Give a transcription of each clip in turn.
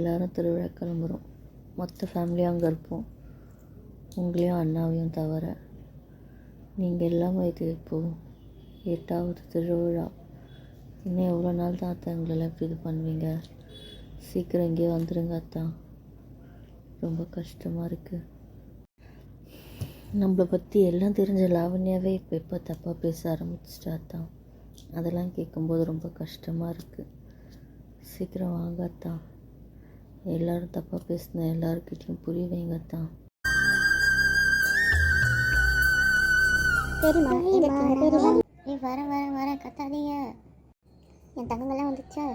எல்லோரும் திருவிழா கிளம்புறோம். மொத்த ஃபேமிலியும் அங்கே இருப்போம், உங்களையும் அண்ணாவையும் தவிர. நீங்கள் இல்லாமல் இது இப்போது 8வது திருவிழா. இன்னும் எவ்வளோ நாள் தான் அத்தா எங்களெல்லாம் எப்படி இது பண்ணுவீங்க? சீக்கிரம் இங்கே வந்துடுங்க அத்தா. ரொம்ப கஷ்டமாக இருக்குது. நம்மளை பற்றி எல்லாம் தெரிஞ்ச லாவண்யாவே இப்போ எப்போ தப்பாக பேச ஆரம்பிச்சிட்டா அத்தா. அதெல்லாம் கேட்கும்போது ரொம்ப கஷ்டமாக இருக்குது. சீக்கிரம் வாங்க அத்தா. எல்லோரும் தப்பாக பேசின எல்லாருக்கிட்டையும் புரிய வைங்க அத்தா. வரேன் கத்தாதீங்க. என் தங்கங்கள்லாம் வந்துச்சா?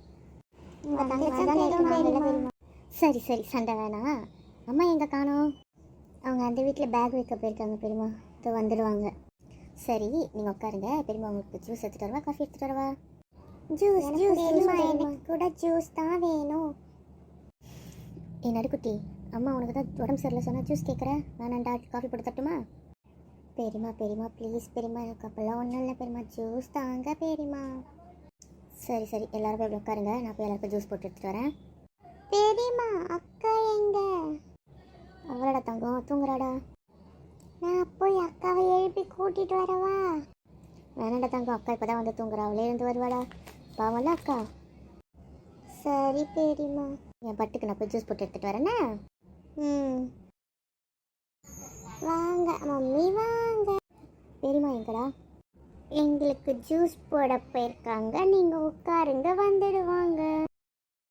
சரி சண்டை வேணாம். அம்மா எங்கே காணோம்? அவங்க அந்த வீட்டில் பேக் வைக்க போயிருக்காங்க பெரியம்மா. இப்போ வந்துடுவாங்க. சரி நீங்கள் உட்காருங்க. பெரியம்மா உங்களுக்கு ஜூஸ் எடுத்துகிட்டு வரவா, காஃபி எடுத்துகிட்டு வரவா? ஜூஸ் எனக்கு கூட ஜூஸ் தான் வேணும். என் நடுக்குட்டி, அம்மா உனக்கு தான் உடம்பு சரியில்லை சொன்னால் ஜூஸ் கேட்குறேன். வேணாண்டா, காஃபி போட்டு தட்டுமா? பெரியம்மா ப்ளீஸ் பெரியம்மா, எனக்கு அப்போல்லாம் ஒன்றும் இல்லை பெரியம்மா, ஜூஸ் தாங்க பெரியம்மா. சரி எல்லாரும் போய் உட்காருங்க. நான் போய் எல்லாருக்கும் ஜூஸ் போட்டு எடுத்துகிட்டு வரேன். பெரியம்மா அக்கா எங்க? அவளோட தங்கம் தூங்குறாடா. நான் போய் அக்காவை எழுப்பி கூட்டிகிட்டு வரவா? வேணாண்டா தங்கம், அக்கா இப்போ தான் வந்து தூங்குறா. அவளே இருந்து வருவாடா, பாவம்ல அக்கா. சரி பெரியம்மா, என் பட்டுக்கு நான் போய் ஜூஸ் போட்டு எடுத்துகிட்டு வரேண்ணா. வாங்க மம்மி வாங்க. பெரியம்மா எங்கடா? எங்களுக்கு ஜூஸ் போட போயிருக்காங்க, நீங்கள் உட்காருங்க, வந்துடுவாங்க.